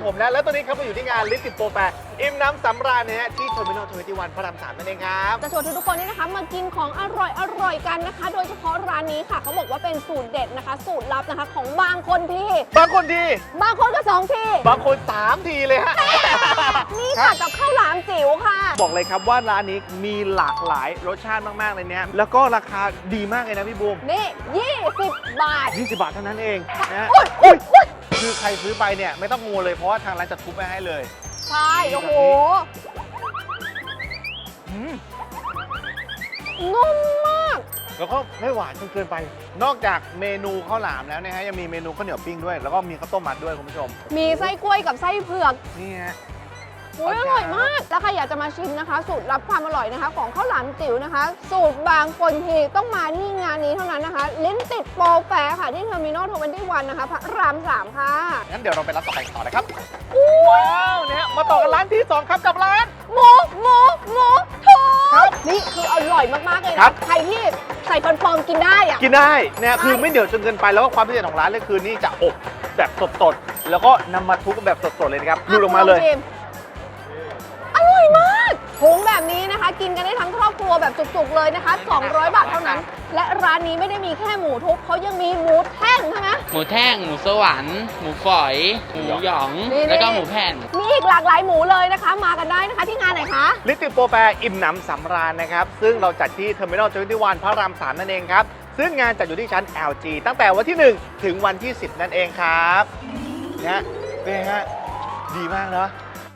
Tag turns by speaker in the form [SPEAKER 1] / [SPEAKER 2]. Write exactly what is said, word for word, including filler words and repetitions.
[SPEAKER 1] ผมนะแล้วตอนนี้ครับมาอยู่ที่งานลิสติโปรแฟร์อิ่มน้ำสำราญนะฮะที่เทอร์มินอลทเวนตี้วันพระรามสามนั่นเองครับ
[SPEAKER 2] จะชวนทุกคนนี่นะคะมากินของอร่อยอร่อยกันนะคะ โดยเฉพาะร้านนี้ค่ะเขาบอกว่าเป็นสูตรเด็ดนะคะ สูตรลับนะคะของบางคนที่
[SPEAKER 1] บางคนที
[SPEAKER 2] บางคนก็สองที
[SPEAKER 1] บางคนสามทีเลยฮะ
[SPEAKER 2] นี่ค่ะกับข้าวหลามจิ๋วค่ะ
[SPEAKER 1] บอกเลยครับว่าร้านนี้มีหลากหลายรสชาติมากๆเลยเนี่ยแล้วก็ราคาดีมากเลยนะพี่บูม
[SPEAKER 2] นี่ยี่สิบบาท
[SPEAKER 1] ยี่สิบบาทเท่านั้นเองนะ
[SPEAKER 2] อุ๊ยอุ๊ย
[SPEAKER 1] คือใครซื้อไปเนี่ยไม่ต้องงัวเลยเพราะว่าทางร้านจะทุบไปให้เลย
[SPEAKER 2] ใช่โอ้โหนุ่มมาก
[SPEAKER 1] แล้วก็ไม่หวานจนเกินไปนอกจากเมนูข้าวหลามแล้วนะฮะยังมีเมนูข้าวเหนียวปิ้งด้วยแล้วก็มีข้าวต้มมัดด้วยคุณผู้ชม
[SPEAKER 2] มีไส้กล้วยกับไส้เผือก
[SPEAKER 1] นี่ฮะ
[SPEAKER 2] อุ๊ยอร่อยมากแล้วใครอยากจะมาชิมนะคะสูตรลับความอร่อยนะคะของข้าวหลามจิ๋วนะคะสูตรบางคนทีต้องมาที่งานนี้เท่านั้นนะคะลิ้นติดโปรแฟร์ค่ะที่เทอร์มินอลทเวนตี้วันนะคะพระรามสามค่ะ
[SPEAKER 1] งั้นเดี๋ยวเราไปร้านต่อไปต่อนะครับว้าวเนี่ยมาต่อกันร้านที่สองครับกับร้าน
[SPEAKER 2] หมูหมูหมูทอดนี่คืออร่อยมากๆเลยนะใครที่ใส่ฟันปลอมกินได้อะ
[SPEAKER 1] กินได้เนี่ยคือไม่เหนียวจนเกินไปแล้วก็ความพิเศษของร้านเลยคือนี่จะอบแบบสดๆแล้วก็นำมาทุบแบบสดๆเลยนะครับดูลงมาเลย
[SPEAKER 2] อร่อยมากถุงแบบนี้นะคะกินกันได้ทั้งครอบครัวแบบจุกๆเลยนะคะสองร้อยบาทเท่านั้นและร้านนี้ไม่ได้มีแค่หมูทุบเขายังมีหมูแท่งใช่ไหม
[SPEAKER 3] หมูแท่งหมูสวรรค์หมูฝอยหมูหยองแล้วก็หมูแผ่น
[SPEAKER 2] มีอีกหลากหลายหมูเลยนะคะมากันได้นะคะที่งานไหนคะ
[SPEAKER 1] ลิติโปรแฟร์อิ่มหนำสำราญนะครับซึ่งเราจัดที่เทอร์มินอลทเวนตี้วันพระรามสามนั่นเองครับซึ่งงานจัดอยู่ที่ชั้น แอล จี ตั้งแต่วันที่หนึ่งถึงวันที่สิบนั่นเองครับนะเป็นไงฮะดีมากเนาะ